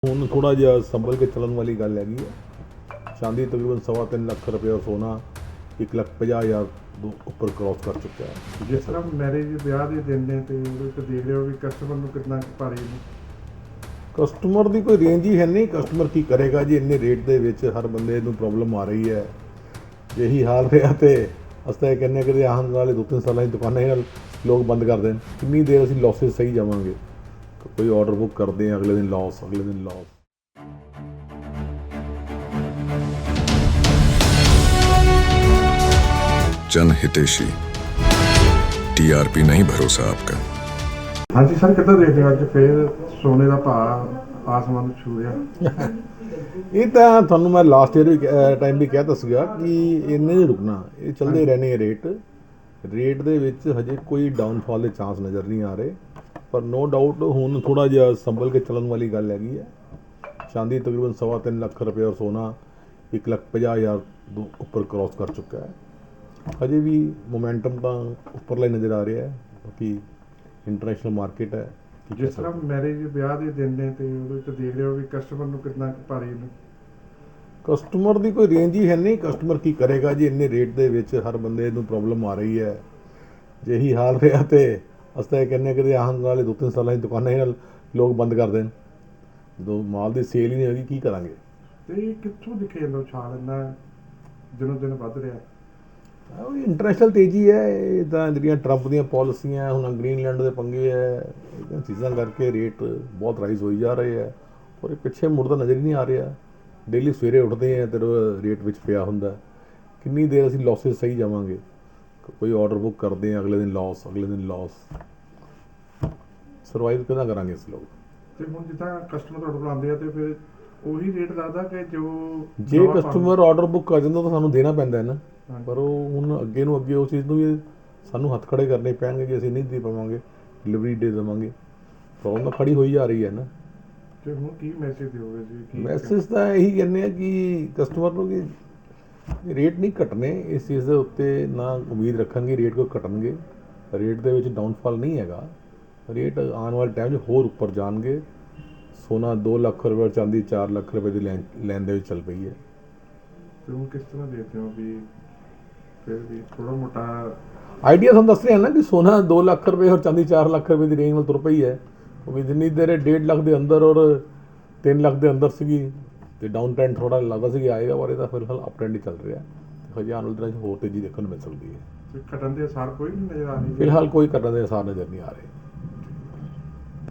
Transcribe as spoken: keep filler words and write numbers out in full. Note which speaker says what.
Speaker 1: ਹੁਣ ਥੋੜਾ ਜਿਹਾ ਸੰਭਲ ਕੇ ਚੱਲਣ ਵਾਲੀ ਗੱਲ ਹੈਗੀ ਹੈ। ਚਾਂਦੀ ਤਕਰੀਬਨ ਸਵਾ ਤਿੰਨ ਲੱਖ ਰੁਪਏ, ਸੋਨਾ ਇੱਕ ਲੱਖ ਪੰਜਾਹ ਹਜ਼ਾਰ ਤੋਂ ਉੱਪਰ ਕ੍ਰੋਸ ਕਰ ਚੁੱਕਾ ਹੈ।
Speaker 2: ਜਿਸ ਤਰ੍ਹਾਂ ਮੈਰਿਜ ਵਿਆਹ ਦੇ ਦਿਨ ਨੇ ਤੇ ਉਹਦੇ ਤੇ ਦੇਖ ਰਹੇ ਹੋ ਵੀ ਕਸਟਮਰ ਨੂੰ ਕਿੰਨਾ ਕੁ ਭਾਰੀ ਨੇ।
Speaker 1: ਕਸਟਮਰ ਦੀ ਕੋਈ ਰੇਂਜ ਹੀ ਹੈ ਨਹੀਂ। ਕਸਟਮਰ ਕੀ ਕਰੇਗਾ ਜੀ, ਇੰਨੇ ਰੇਟ ਦੇ ਵਿੱਚ ਹਰ ਬੰਦੇ ਨੂੰ ਪ੍ਰੋਬਲਮ ਆ ਰਹੀ ਹੈ। ਇਹੀ ਹਾਲ ਰਿਹਾ ਤੇ ਅਸੀਂ ਇਹ ਕਹਿੰਦੇ ਕਿ ਆਉਣ ਵਾਲੇ ਦੋ ਤਿੰਨ ਸਾਲਾਂ ਦੀ ਦੁਕਾਨਾਂ ਨਾਲ ਲੋਕ ਬੰਦ ਕਰ ਦੇਣ। ਕਿੰਨੀ ਦੇਰ ਅਸੀਂ ਲੌਸਿਸ ਸਹੀ ਜਾਵਾਂਗੇ। ਕੋਈ ਆਰਡਰ ਬੁੱਕ ਕਰਦੇ ਹਾਂ, ਅਗਲੇ ਦਿਨ ਲੌਸ, ਅਗਲੇ ਦਿਨ ਲੌਸ।
Speaker 3: जन हितेशी टीआरपी नहीं भरोसा आपका।
Speaker 2: ਹਾਂਜੀ ਸਰ, ਕਿੱਦਾਂ ਦੇਖਦੇ ਹੋ ਅੱਜ ਫੇਰ ਸੋਨੇ ਦਾ ਭਾਅ ਆਸਮਾਨ ਨੂੰ ਛੂ ਰਿਹਾ?
Speaker 1: ਇਹ ਤਾਂ ਤੁਹਾਨੂੰ ਮੈਂ ਲਾਸਟ ਈਅਰ ਵੀ ਟਾਈਮ ਵੀ ਕਹਿ ਤਾ ਸੀਗਾ ਕਿ ਇੰਨੇ ਨਹੀਂ ਰੁਕਣਾ, ਇਹ ਚੱਲਦੇ ਰਹਿਣੇ ਰੇਟ ਰੇਟ ਦੇ ਵਿੱਚ ਹਜੇ ਕੋਈ ਡਾਊਨਫਾਲ ਦੇ ਚਾਂਸ ਨਜ਼ਰ ਨਹੀਂ ਆ ਰਹੇ। ਪਰ ਨੋ ਡਾਊਟ ਹੁਣ ਥੋੜਾ ਜਿਹਾ ਸੰਭਲ ਕੇ ਚੱਲਣ ਵਾਲੀ ਗੱਲ ਹੈਗੀ ਹੈ। ਚਾਂਦੀ ਤਕਰੀਬਨ ਸਵਾ ਤਿੰਨ ਲੱਖ ਰੁਪਏ ਔਰ ਸੋਨਾ ਇੱਕ ਲੱਖ ਪੰਜਾਹ ਹਜ਼ਾਰ ਤੋਂ ਉੱਪਰ ਕ੍ਰੋਸ ਕਰ ਚੁੱਕਾ ਹੈ। ਹਜੇ ਵੀ ਮੋਮੈਂਟਮ ਤਾਂ ਉੱਪਰਲਾ ਹੀ ਨਜ਼ਰ ਆ ਰਿਹਾ ਹੈ, ਕਿਉਂਕਿ ਇੰਟਰਨੈਸ਼ਨਲ ਮਾਰਕੀਟ ਹੈ।
Speaker 2: ਜਿਸ ਤਰ੍ਹਾਂ ਮੈਰਿਜ ਵਿਆਹ ਦੇ ਦਿਨ ਨੇ ਤੇ ਉਹਦੇ ਤੇ ਦੇਖ ਰਹੇ ਹੋ ਵੀ ਕਸਟਮਰ ਨੂੰ ਕਿੰਨਾ ਕੁ ਭਾਰੀ ਨੇ।
Speaker 1: ਕਸਟਮਰ ਦੀ ਕੋਈ ਰੇਂਜ ਹੀ ਹੈ ਨਹੀਂ। ਕਸਟਮਰ ਕੀ ਕਰੇਗਾ ਜੀ, ਇੰਨੇ ਰੇਟ ਦੇ ਵਿੱਚ ਹਰ ਬੰਦੇ ਨੂੰ ਪ੍ਰੋਬਲਮ ਆ ਰਹੀ ਹੈ। ਜੇ ਇਹੀ ਹਾਲ ਰਿਹਾ ਤੇ ਅਸੀਂ ਤਾਂ ਇਹ ਕਹਿੰਦੇ ਕਿ ਆਉਣ ਵਾਲੇ ਦੋ ਤਿੰਨ ਸਾਲਾਂ ਦੀ ਦੁਕਾਨਾਂ ਨਾਲ ਲੋਕ ਬੰਦ ਕਰ ਦੇਣ। ਜਦੋਂ ਮਾਲ ਦੀ ਸੇਲ ਹੀ ਨਹੀਂ ਹੋਗੀ, ਕੀ ਕਰਾਂਗੇ।
Speaker 2: ਤੇ ਇਹ ਕਿੱਥੋਂ ਦਿਖੇ ਜਾਂਦਾ ਉਛਾਲ ਇੰਨਾ ਦਿਨੋਂ ਦਿਨ ਵੱਧ ਰਿਹਾ?
Speaker 1: ਉਹ ਇੰਟਰਨੈਸ਼ਨਲ ਤੇਜ਼ੀ ਹੈ। ਇਹ ਤਾਂ ਜਿਹੜੀਆਂ ਟਰੰਪ ਦੀਆਂ ਪਾਲਿਸੀਆਂ, ਹੁਣ ਗ੍ਰੀਨਲੈਂਡ ਦੇ ਪੰਗੇ ਹੈ, ਇਹਨਾਂ ਚੀਜ਼ਾਂ ਕਰਕੇ ਰੇਟ ਬਹੁਤ ਰਾਈਜ਼ ਹੋਈ ਜਾ ਰਹੇ ਹੈ। ਔਰ ਇਹ ਪਿੱਛੇ ਮੁੜਦਾ ਨਜ਼ਰ ਹੀ ਨਹੀਂ ਆ ਰਿਹਾ। ਡੇਲੀ ਸਵੇਰੇ ਉੱਠਦੇ ਹਾਂ ਤੇ ਰੇਟ ਵਿੱਚ ਪਿਆ ਹੁੰਦਾ। ਕਿੰਨੀ ਦੇਰ ਅਸੀਂ ਲੌਸਿਸ ਸਹੀ ਜਾਵਾਂਗੇ। ਕੋਈ ਆਰਡਰ ਬੁੱਕ ਕਰਦੇ ਹਾਂ, ਅਗਲੇ ਦਿਨ ਲੌਸ, ਅਗਲੇ ਦਿਨ ਲੌਸ। ਸਰਵਾਈਵ ਕਿੱਦਾਂ ਕਰਾਂਗੇ ਅਸੀਂ ਲੋਕ।
Speaker 2: ਤੇ ਹੁਣ ਜਿੱਦਾਂ ਕਸਟਮਰ ਤੁਹਾਡੇ ਕੋਲ ਆਉਂਦੇ ਆ ਤੇ ਫਿਰ ਉਹੀ ਰੇਟ ਲੱਗਦਾ ਕਿ ਜੋ
Speaker 1: ਜੇ ਕਸਟਮਰ ਆਰਡਰ ਬੁੱਕ ਕਰ ਜਾਂਦਾ ਤਾਂ ਸਾਨੂੰ ਦੇਣਾ ਪੈਂਦਾ ਹੈ ਨਾ। ਪਰ ਉਹ ਹੁਣ ਅੱਗੇ ਨੂੰ ਅੱਗੇ ਉਸ ਚੀਜ਼ ਨੂੰ ਵੀ ਸਾਨੂੰ ਹੱਥ ਖੜੇ ਕਰਨੇ ਪੈਣਗੇ ਕਿ ਅਸੀਂ ਨਹੀਂ ਦੇ ਪਾਵਾਂਗੇ, ਡਿਲੀਵਰੀ ਦੇ ਦੇਵਾਂਗੇ। ਪ੍ਰੋਬਲਮ ਤਾਂ ਖੜੀ ਹੋਈ ਜਾ ਰਹੀ ਹੈ ਨਾ।
Speaker 2: ਤੇ ਹੁਣ ਕੀ ਮੈਸੇਜ ਦਿਓਗੇ ਜੀ?
Speaker 1: ਮੈਸੇਜ ਤਾਂ ਇਹੀ ਕਹਿੰਦੇ ਆ ਕਿ ਕਸਟਮਰ ਨੂੰ ਕਿ ਰੇਟ ਨਹੀਂ ਘਟਣੇ। ਇਸ ਚੀਜ਼ ਦੇ ਉੱਤੇ ਨਾ ਉਮੀਦ ਰੱਖਣਗੇ ਰੇਟ ਕੋਈ ਘਟਣਗੇ। ਰੇਟ ਦੇ ਵਿੱਚ ਡਾਊਨਫਾਲ ਨਹੀਂ ਹੈਗਾ। ਰੇਟ ਆਉਣ ਵਾਲੇ ਟਾਈਮ 'ਚ ਹੋਰ ਉੱਪਰ ਜਾਣਗੇ। ਸੋਨਾ ਦੋ ਲੱਖ ਰੁਪਏ, ਚਾਂਦੀ ਚਾਰ ਲੱਖ ਰੁਪਏ ਦੀ ਲੈਣ ਲੈਣ ਦੇ ਵਿੱਚ ਚੱਲ ਪਈ ਹੈ।
Speaker 2: ਤੇ ਹੁਣ ਕਿਸ ਤਰ੍ਹਾਂ ਦੇਖਦੇ ਹੋ ਵੀ ਫਿਰ ਵੀ ਥੋੜਾ ਮੋਟਾ
Speaker 1: ਆਈਡੀਆ ਤੁਹਾਨੂੰ ਦੱਸ ਰਿਹਾ ਨਾ ਕਿ ਸੋਨਾ ਦੋ ਲੱਖ ਰੁਪਏ ਔਰ ਚਾਂਦੀ ਚਾਰ ਲੱਖ ਰੁਪਏ ਦੀ ਰੇਂਜ ਨਾਲ ਤੁਰ ਪਈ ਹੈ। ਕਿਉਂਕਿ ਜਿੰਨੀ ਦੇਰ ਡੇਢ ਲੱਖ ਦੇ ਅੰਦਰ ਔਰ ਤਿੰਨ ਲੱਖ ਦੇ ਅੰਦਰ ਸੀਗੀ ਤੇ ਡਾਊਨ ਟ੍ਰੈਂਡ ਥੋੜਾ ਲੱਗਦਾ ਸੀ ਆਏਗਾ, ਪਰ ਇਹਦਾ ਫਿਲਹਾਲ ਅਪ ਟ੍ਰੈਂਡ ਹੀ ਚੱਲ ਰਿਹਾ। ਹਜੇ ਆਉਣ ਵਾਲੇ ਦਿਨਾਂ 'ਚ ਹੋਰ ਤੇਜ਼ੀ ਦੇਖਣ ਨੂੰ ਮਿਲ ਸਕਦੀ ਹੈ।
Speaker 2: ਘਟਣ ਦੇ ਅਸਾਰ ਕੋਈ ਨਹੀਂ ਨਜ਼ਰ ਆ ਰਹੀ?
Speaker 1: ਫਿਲਹਾਲ ਕੋਈ ਘਟਣ ਦੇ ਅਸਾਰ ਨਜ਼ਰ ਨਹੀਂ ਆ ਰਹੇ।